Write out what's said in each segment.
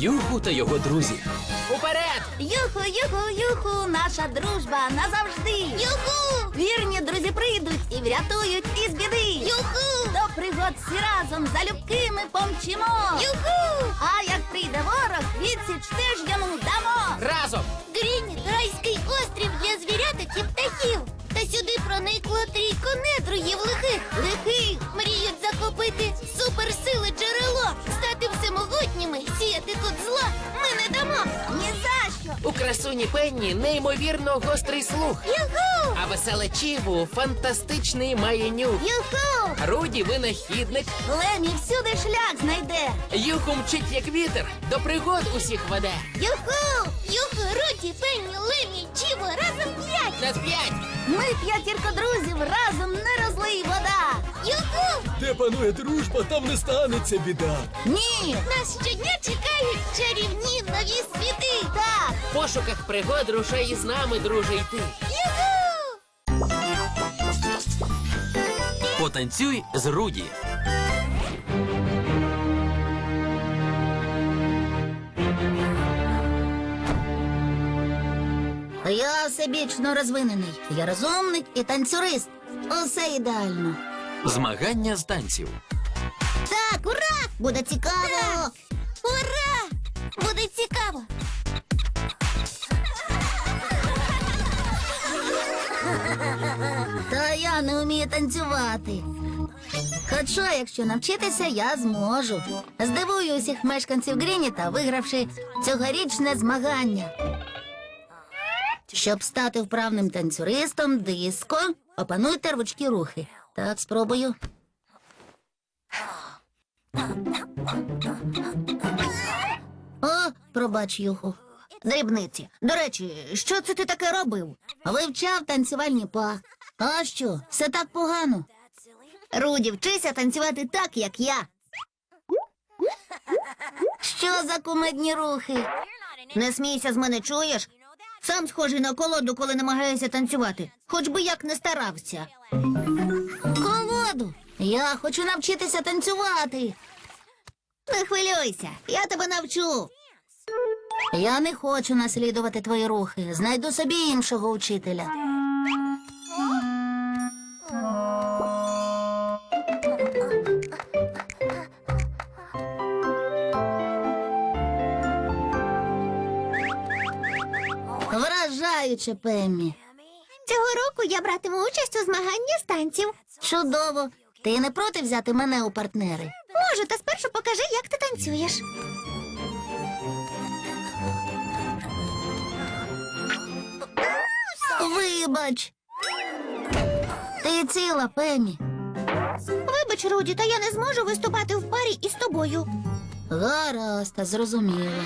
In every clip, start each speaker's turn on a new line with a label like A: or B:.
A: Юху та його друзі. Уперед!
B: Юху, юху, юху, наша дружба назавжди. Юху! Вірні друзі прийдуть і врятують із біди. Юху! До пригод всі разом залюбки ми помчимо. Юху! А як прийде ворог, відсіч теж йому дамо.
A: Разом!
B: Грінь – райський острів для звіряток і птахів. Та сюди проникло трійко недругів лихих. Мріють захопити суперсили джерело, стати всемогутніми, сіяти тут зло ми не дамо. Ні за що.
A: У красуні Пенні неймовірно гострий слух.
B: Юху!
A: А веселе Чіву фантастичний має нюх.
B: Юху!
A: Руді винахідник.
B: Лемі всюди шлях знайде.
A: Юху мчить як вітер, до пригод усіх веде.
B: Юху! Юху, Руді, Пенні, Лемі, Чіво, разом 5.
A: На 5!
B: Ми п'ятірка друзів, разом не розлий вода. Юху!
C: Де панує дружба, там не станеться біда.
B: Ні! Нас щодня чекають чарівні нові світи. Так!
A: В пошуках пригод рушай із нами, друже, йти.
B: Юху!
A: Потанцюй з Руді.
B: Я всебічно розвинений. Я розумник і танцюрист. Усе ідеально.
A: Змагання з танців.
B: Так, ура! Буде цікаво! Ура! Буде цікаво! Та я не вмію танцювати. Хоча, якщо навчитися, я зможу. Здивую усіх мешканців Грініта, вигравши цьогорічне змагання. Щоб стати вправним танцюристом, диско, опануйте рвучкі рухи. Так, спробую. О, пробач, Юху. Дрібниці. До речі, що це ти таке робив? Вивчав танцювальні па. А що, все так погано? Руді, вчися танцювати так, як я. Що за кумедні рухи? Не смійся з мене, чуєш? Сам схожий на колоду, коли намагаєшся танцювати. Хоч би як не старався. Колоду? Я хочу навчитися танцювати. Не хвилюйся, я тебе навчу. Я не хочу наслідувати твої рухи. Знайду собі іншого учителя. Вражаюче, Пеммі. Цього року я братиму участь у змаганні з танців. Чудово. Ти не проти взяти мене у партнери? Можу, та спершу покажи, як ти танцюєш. Вибач. Ти ціла, Пеммі. Вибач, Руді, та я не зможу виступати в парі із тобою. Гаразд, зрозуміло.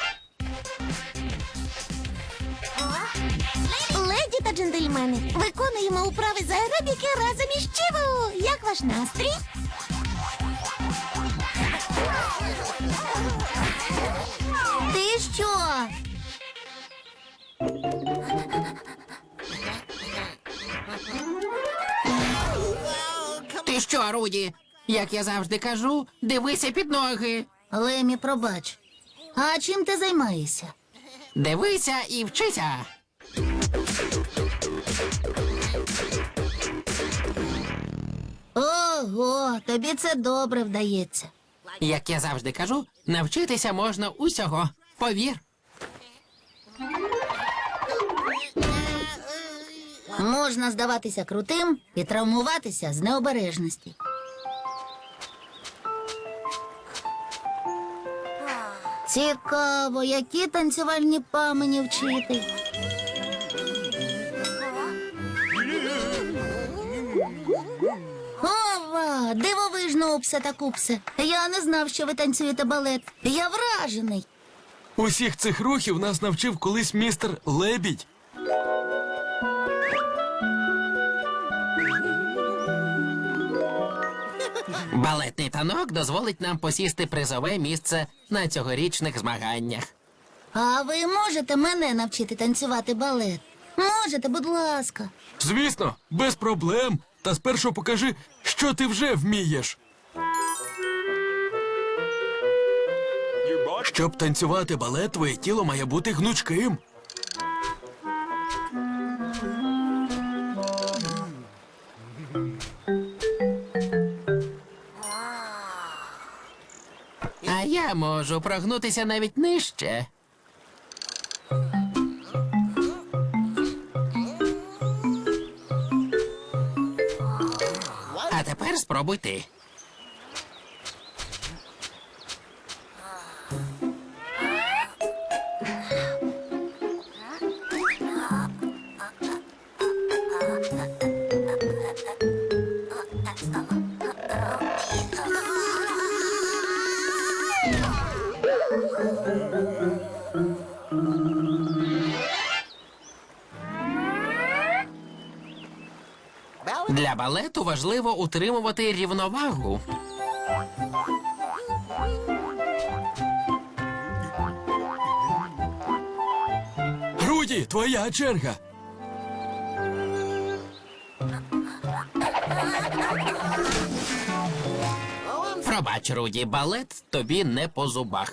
B: Леді та джентльмени, виконуємо управи з аеробіки разом із Чіву. Як ваш настрій? Ти що?
D: Ти що, Руді? Як я завжди кажу, дивися під ноги.
B: Лемі, пробач. А чим ти займаєшся?
D: Дивися і вчися.
B: Ого, тобі це добре вдається.
D: Як я завжди кажу, навчитися можна усього. Повір.
B: Можна здаватися крутим і травмуватися з необережності. Цікаво, які танцювальні па мені вчити. Ова, дивовижно, Упсе та Купсе. Я не знав, що ви танцюєте балет. Я вражений.
C: Усіх цих рухів нас навчив колись містер Лебідь.
D: Балетний танок дозволить нам посісти призове місце на цьогорічних змаганнях.
B: А ви можете мене навчити танцювати балет? Можете, будь ласка.
C: Звісно, без проблем. Та спершу покажи, що ти вже вмієш. Щоб танцювати балет, твоє тіло має бути гнучким.
D: А я можу прогнутися навіть нижче. А тепер спробуй ти. Для балету важливо утримувати рівновагу.
C: Руді, твоя черга.
D: Пробач, Руді, балет тобі не по зубах.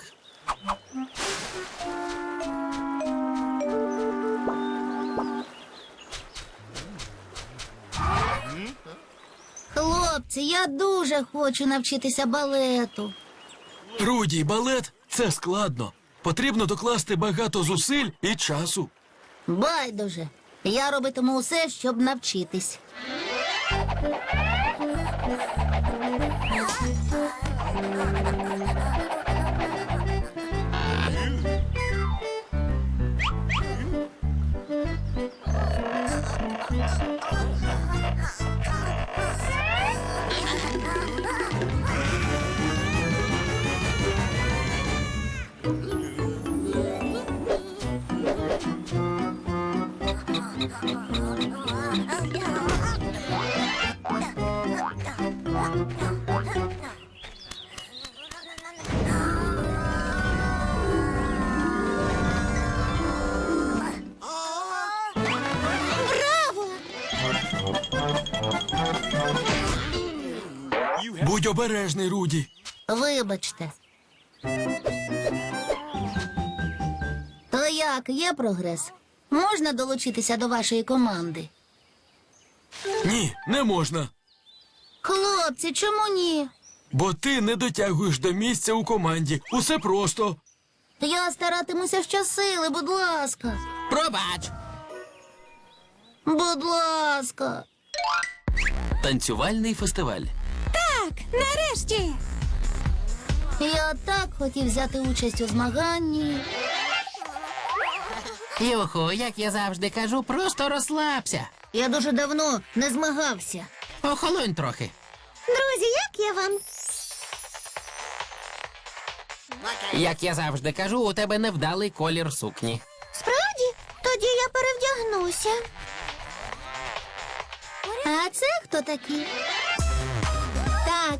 B: Хлопці, я дуже хочу навчитися балету.
C: Руді, балет – це складно. Потрібно докласти багато зусиль і часу.
B: Байдуже. Я робитиму усе, щоб навчитись.
C: Будь обережний, Руді.
B: Вибачте. То як, є прогрес? Можна долучитися до вашої команди?
C: Ні, не можна.
B: Хлопці, чому ні?
C: Бо ти не дотягуєш до місця у команді. Усе просто.
B: Я старатимуся щосили, будь ласка.
D: Пробач!
B: Будь ласка.
C: Танцювальний фестиваль.
B: Нарешті. Я так хотів взяти участь у змаганні.
D: Юху, як я завжди кажу, просто розслабся.
B: Я дуже давно не змагався.
D: Охолонь трохи.
B: Друзі, як я вам?
D: Як я завжди кажу, у тебе невдалий колір сукні.
B: Справді? Тоді я перевдягнуся. А це хто такі? Так.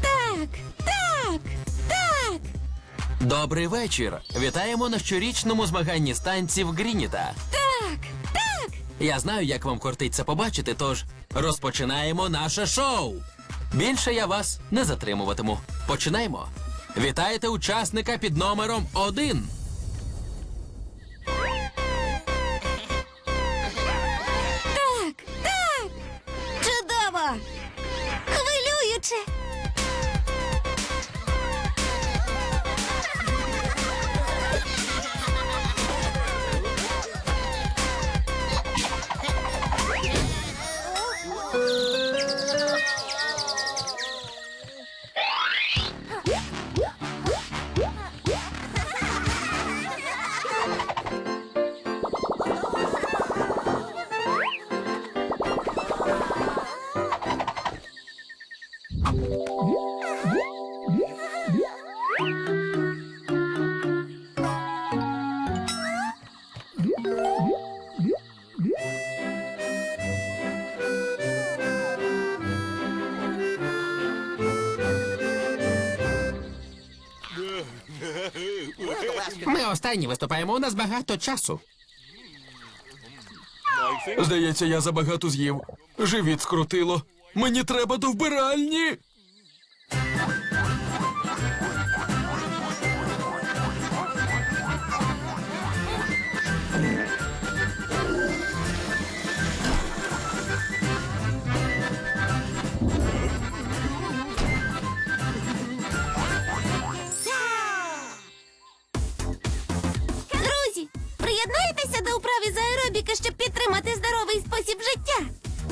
C: Добрий вечір. Вітаємо на щорічному змаганні з танців Грініта.
B: Так.
C: Я знаю, як вам кортить це побачити, тож розпочинаємо наше шоу. Більше я вас не затримуватиму. Починаємо. Вітаєте учасника під номером 1.
B: Чудово! Хвилююче!
D: Ми останні виступаємо, у нас багато часу.
C: Здається, я забагато з'їв. Живіт скрутило. Мені треба до вбиральні.
B: кубики, щоб підтримати здоровий спосіб життя.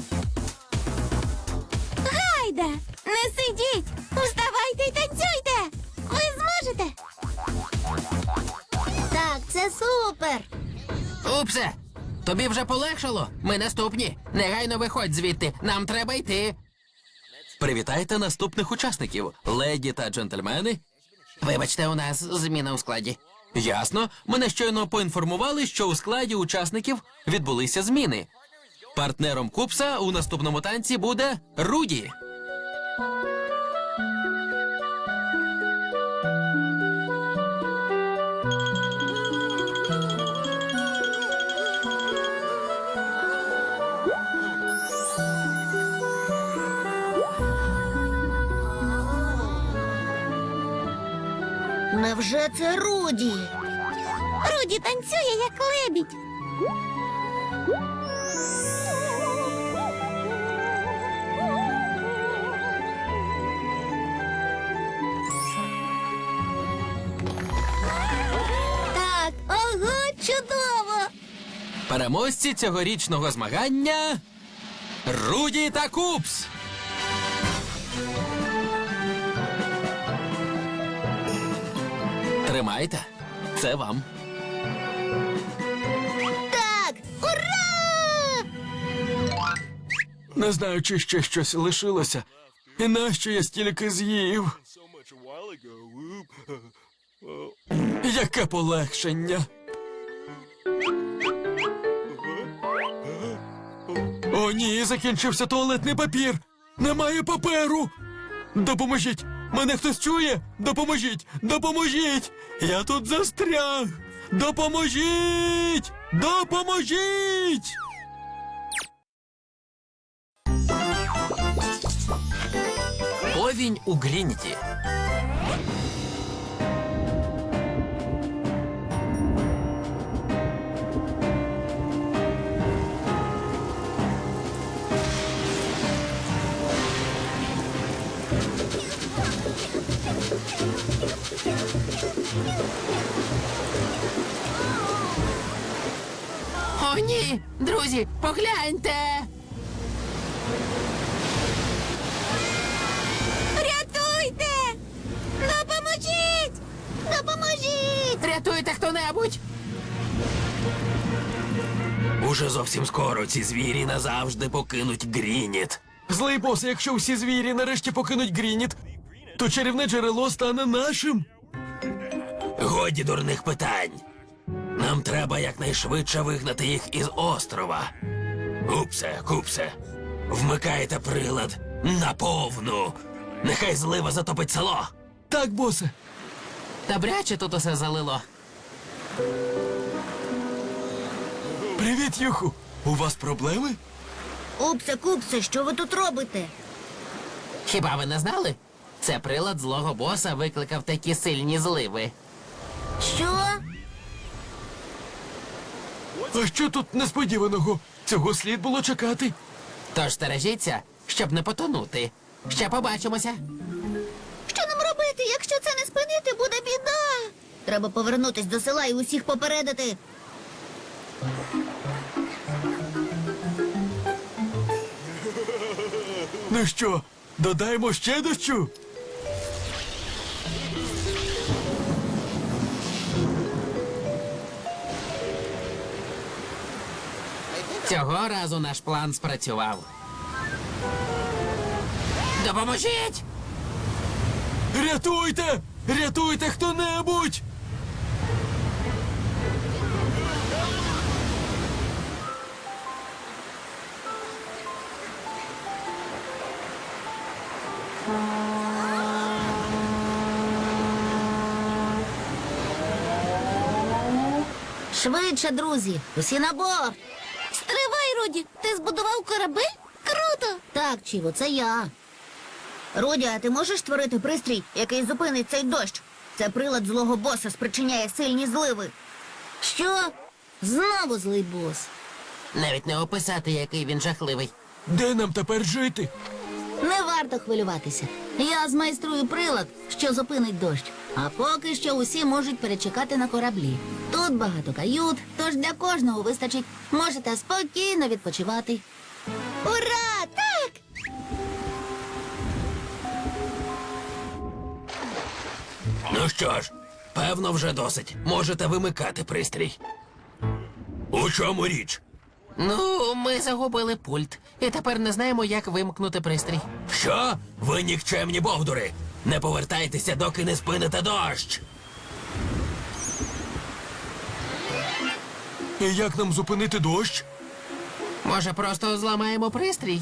B: Гайда! Не сидіть! Вставайте й танцюйте! Ви зможете! Так, це супер!
D: Упсе! Тобі вже полегшало? Ми наступні. Негайно виходь звідти. Нам треба йти.
C: Привітайте наступних учасників, леді та джентльмени.
D: Вибачте, у нас зміна у складі.
C: Ясно, мене щойно поінформували, що у складі учасників відбулися зміни. Партнером Купса у наступному танці буде Руді.
B: Невже це Руді? Руді танцює, як лебідь. Так, ого, чудово!
C: Переможці цьогорічного змагання Руді та Купс. Тримайте. Це вам.
B: Так, ура!
C: Не знаю, чи ще щось лишилося. І нащо я стільки з'їв? Яке полегшення. О, ні, закінчився туалетний папір. Немає паперу. Допоможіть. Мене хтось чує? Допоможіть! Допоможіть! Я тут застряг! Допоможіть! Допоможіть! Повінь у Грініті.
D: О, ні! Друзі, погляньте!
B: Рятуйте! Допоможіть! Допоможіть!
D: Рятуйте хто-небудь!
C: Уже зовсім скоро ці звірі назавжди покинуть Грініт. Злий бос, якщо всі звірі нарешті покинуть Грініт, то чарівне джерело стане нашим. Годі дурних питань. Нам треба якнайшвидше вигнати їх із острова. Купсе, вмикайте прилад наповну. Нехай злива затопить село. Так, босе.
D: Добряче тут усе залило.
C: Привіт, Юху. У вас проблеми?
B: Купсе, що ви тут робите?
D: Хіба ви не знали? Це прилад злого боса викликав такі сильні зливи.
B: Що?
C: А що тут несподіваного? Цього слід було чекати.
D: Тож стережіться, щоб не потонути. Ще побачимося.
B: Що нам робити? Якщо це не спинити, буде біда. Треба повернутись до села і усіх попередити.
C: Ну що, додаємо ще дощу?
D: Цього разу наш план спрацював. Допоможіть!
C: Рятуйте! Рятуйте хто-небудь!
B: Швидше, друзі, усі на борт. Стривай, Руді, ти збудував корабель? Круто! Так, Чіво, це я. Руді, а ти можеш створити пристрій, який зупинить цей дощ? Це прилад злого боса спричиняє сильні зливи. Що? Знову злий бос.
D: Навіть не описати, який він жахливий.
C: Де нам тепер жити?
B: Не варто хвилюватися. Я змайструю прилад, що зупинить дощ. А поки що усі можуть перечекати на кораблі. Тут багато кают, тож для кожного вистачить. Можете спокійно відпочивати. Ура! Так!
C: Ну що ж, певно, вже досить. Можете вимикати пристрій. У чому річ?
D: Ну, ми загубили пульт, і тепер не знаємо, як вимкнути пристрій.
C: Що? Ви нікчемні бовдури! Не повертайтеся, доки не спините дощ! І як нам зупинити дощ?
D: Може, просто зламаємо пристрій?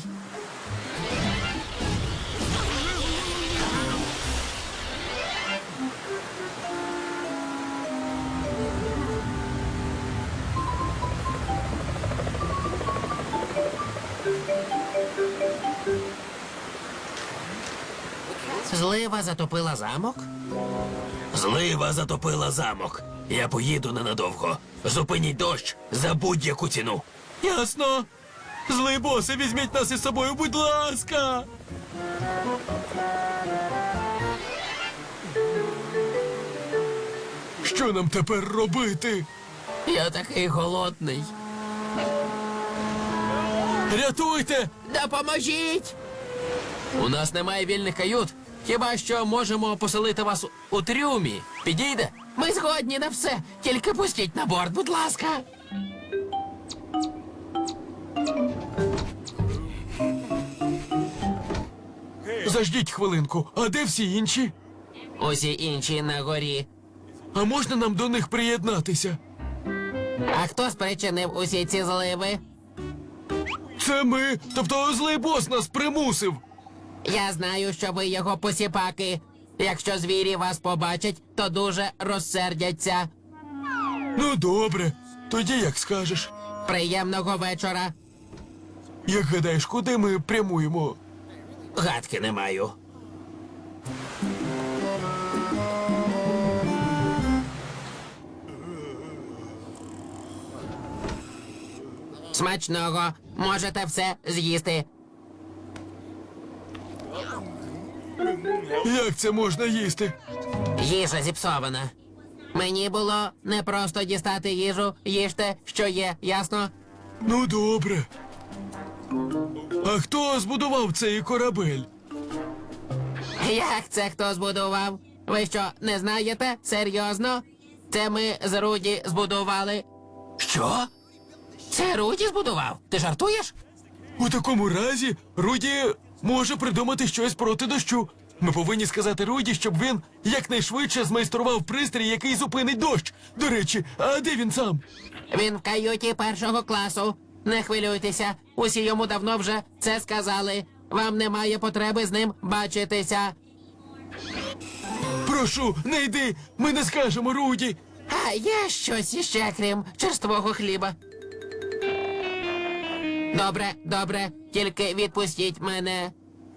D: Злива затопила замок?
C: Злива затопила замок. Я поїду ненадовго. Зупиніть дощ за будь-яку ціну. Ясно. Злий босе, візьміть нас із собою, будь ласка. Що нам тепер робити?
D: Я такий голодний.
C: Рятуйте!
D: Допоможіть!
C: У нас немає вільних кают. Хіба що можемо поселити вас у трюмі. Підійде?
D: Ми згодні на все. Тільки пустіть на борт, будь ласка.
C: Заждіть хвилинку. А де всі інші?
D: Усі інші на горі.
C: А можна нам до них приєднатися?
D: А хто спричинив усі ці зливи?
C: Це ми. Тобто злий бос нас примусив.
D: Я знаю, що ви його посіпаки. Якщо звірі вас побачать, то дуже розсердяться.
C: Ну, добре. Тоді як скажеш.
D: Приємного вечора.
C: Як гадаєш, куди ми прямуємо?
D: Гадки не маю. Смачного. Можете все з'їсти.
C: Як це можна їсти?
D: Їжа зіпсована. Мені було не просто дістати їжу, їжте, що є, ясно?
C: Ну, добре. А хто збудував цей корабель?
D: Як це хто збудував? Ви що, не знаєте? Серйозно? Це ми з Руді збудували.
C: Що?
D: Це Руді збудував? Ти жартуєш?
C: У такому разі Руді може придумати щось проти дощу. Ми повинні сказати Руді, щоб він якнайшвидше змайстрував пристрій, який зупинить дощ. До речі, а де він сам?
D: Він в каюті першого класу. Не хвилюйтеся, усі йому давно вже це сказали. Вам немає потреби з ним бачитися.
C: Прошу, не йди, ми не скажемо Руді.
D: А є щось іще, крім черствого хліба. Добре, добре, тільки відпустіть мене.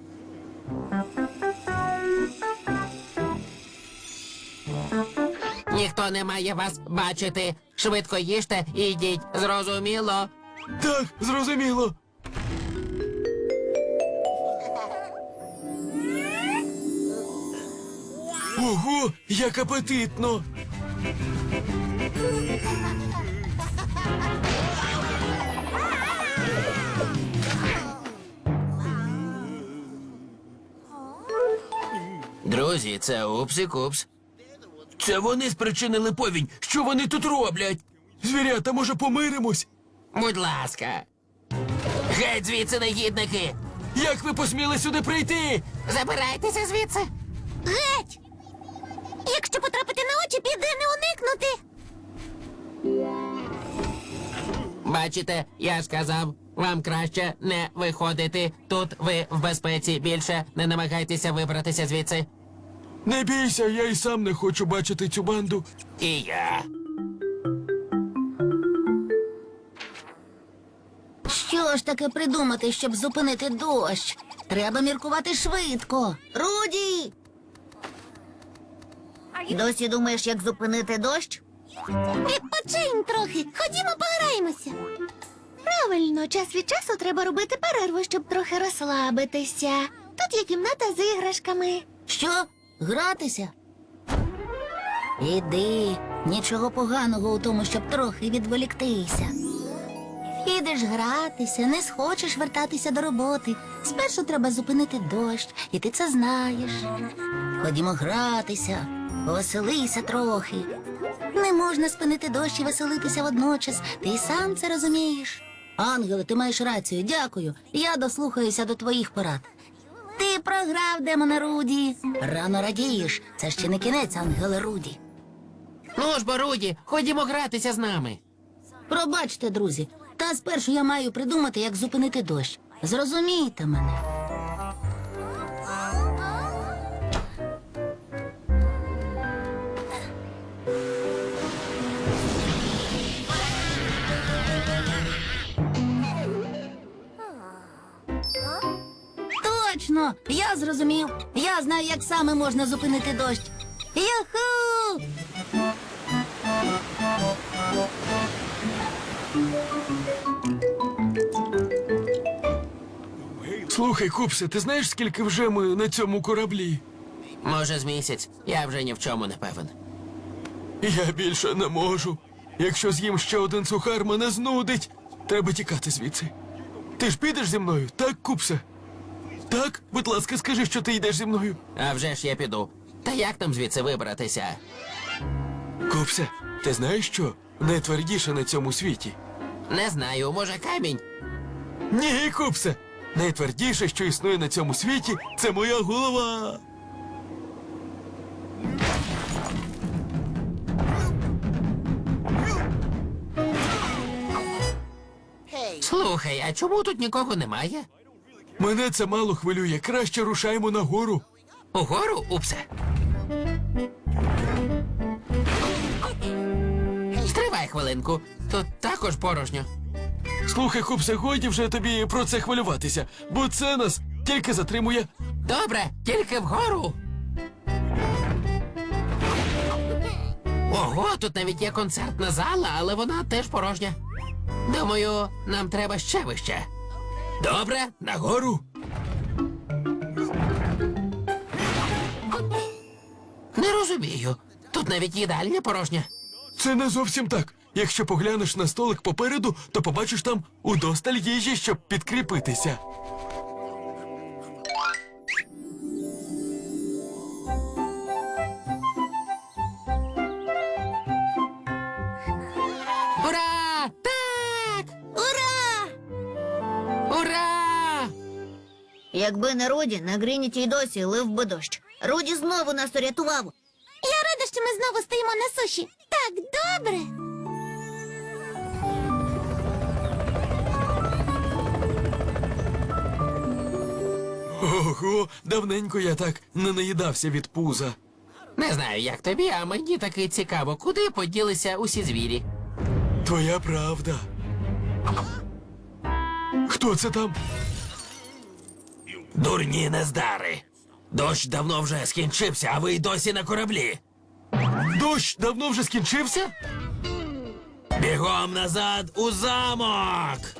D: Ніхто не має вас бачити. Швидко їжте і йдіть, зрозуміло?
C: Так, зрозуміло. Ого, як апетитно.
D: Друзі, це Упсі-Купс.
C: Це вони спричинили повінь. Що вони тут роблять? Звірята, може, помиримось?
D: Будь ласка. Геть звідси, негідники!
C: Як ви посміли сюди прийти?
D: Забирайтеся звідси!
B: Геть! Якщо потрапити на очі, піде не уникнути.
D: Бачите, я сказав, вам краще не виходити. Тут ви в безпеці. Більше не намагайтеся вибратися звідси.
C: Не бійся, я й сам не хочу бачити цю банду.
D: І я.
B: Що ж таке придумати, щоб зупинити дощ? Треба міркувати швидко. Руді! Досі думаєш, як зупинити дощ? Відпочинь трохи. Ходімо пограємося. Правильно, час від часу треба робити перерву, щоб трохи розслабитися. Тут є кімната з іграшками. Що? Гратися? Іди. Нічого поганого у тому, щоб трохи відволіктися. Підеш гратися, не схочеш вертатися до роботи. Спершу треба зупинити дощ, і ти це знаєш. Ходімо гратися, повеселися трохи. Не можна спинити дощ і веселитися водночас. Ти й сам це розумієш. Ангеле, ти маєш рацію, дякую. Я дослухаюся до твоїх порад. Ти програв, демоне Руді. Рано радієш. Це ще не кінець, Ангеле Руді.
D: Ну ж, бо, Руді, ходімо гратися з нами.
B: Пробачте, друзі, та спершу я маю придумати, як зупинити дощ. Зрозумійте мене. Точно! Я зрозумів. Я знаю, як саме можна зупинити дощ. Юху!
E: Слухай, Купсе, ти знаєш, скільки вже ми на цьому кораблі?
D: Може, з місяць. Я вже ні в чому не певен.
E: Я більше не можу. Якщо з'їм ще один сухар, мене знудить. Треба тікати звідси. Ти ж підеш зі мною, так, Купсе? Так? Будь ласка, скажи, що ти йдеш зі мною.
D: А вже ж я піду. Та як нам звідси вибратися?
E: Купсе, ти знаєш що? Найтвердіше на цьому світі.
D: Не знаю, може камінь?
E: Ні, Купсе! Найтвердіше, що існує на цьому світі, це моя голова.
D: Слухай, а чому тут нікого немає?
E: Мене це мало хвилює. Краще рушаємо нагору.
D: Угору, Упсе? Стривай хвилинку. Тут також порожньо.
E: Слухай, Купсе, годі вже тобі про це хвилюватися, бо це нас тільки затримує.
D: Добре, тільки вгору. Ого, тут навіть є концертна зала, але вона теж порожня. Думаю, нам треба ще вище. Добре, нагору. Не розумію. Тут навіть їдальня порожня.
E: Це не зовсім так. Якщо поглянеш на столик попереду, то побачиш там удосталь їжі, щоб підкріпитися.
D: Ура! Так!
B: Ура!
D: Ура!
B: Якби не Руді, на Грініті й досі лив би дощ. Руді знову нас урятував. Я рада, що ми знову стоїмо на суші. Так добре.
E: Ого, давненько я так не наїдався від пуза.
D: Не знаю, як тобі, а мені таки цікаво, куди поділися усі звірі.
E: Твоя правда. Хто це там?
C: Дурні нездари. Дощ давно вже скінчився, а ви й досі на кораблі.
E: Дощ давно вже скінчився?
C: Бігом назад у замок.